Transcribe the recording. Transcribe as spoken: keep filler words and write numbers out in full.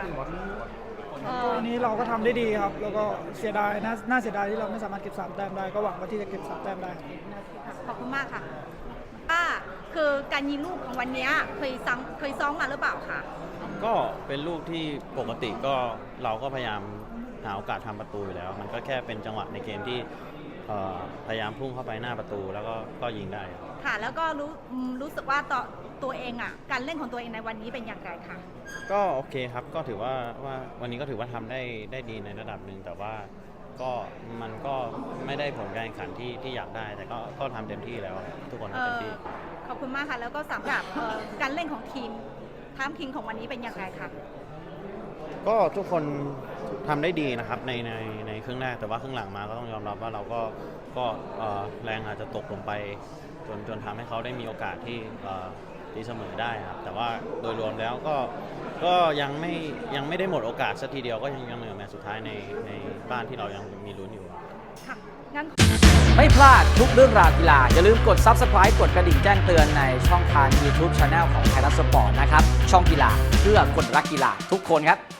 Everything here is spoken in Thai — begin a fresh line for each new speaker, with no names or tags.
วันนี้เราก็ทำได้ดีครับแล้วก็เสียดายน่าน่าเสียดายที่เราไม่สามารถเก็บสามแต้มได้ก็หวังว่าที่จะเก็บสามแต้มได้
ขอบคุณมากค่ะป้าคือการยิงลูกของวันนี้เคยซ้อมเคยซ้อมมาหรือเปล่าคะ
ก็เป็นลูกที่ปกติก็เราก็พยายามหาโอกาสทำประตูอยู่แล้ว มันก็แค่เป็นจังหวะในเกมที่พยายามพุ่งเข้าไปหน้าประตูแล้วก็ก็ยิงได้
ค่ะแล้วก็รู้รู้สึกว่าต่อตัวเองอ่ะการเล่นของตัวเองในวันนี้เป็นอย่างไรคะ
ก็โอเคครับก็ถือว่าว่าวันนี้ก็ถือว่าทำได้ได้ดีในระดับหนึ่งแต่ว่าก็มันก็ไม่ได้ผลการแข่งขันที่ที่อยากได้แต่ก็ก็ทำเต็มที่แล้วทุกคนทำเต็มที่
ขอบคุณมากค่ะแล้วก็สำหรับการเล่นของทีมทัพคิงของวันนี้เป็นอย่างไรคะ
ก็ทุกคนทำได้ดีนะครับในในในครึ่งแรกแต่ว่าครึ่งหลังมาก็ต้องยอมรับว่าเราก็ก็แรงอาจจะตกลงไปจนจนทำให้เขาได้มีโอกาสที่ตีเสมอได้ครับแต่ว่าโดยรวมแล้วก็ก็ยังไม่ยังไม่ได้หมดโอกาสสักทีเดียวก็ยังยังเหลือแมตช์สุดท้ายในในบ้านที่เรายังมีลุ้นอยู่
ค่ะงั้น
ไม่พลาดทุกเรื่องราวกีฬาอย่าลืมกด ซับสไครบ์ กดกระดิ่งแจ้งเตือนในช่องทาง ยูทูบ Channel ของไทยรัฐสปอร์ตนะครับช่องกีฬาเพื่อคนรักกีฬาทุกคนครับ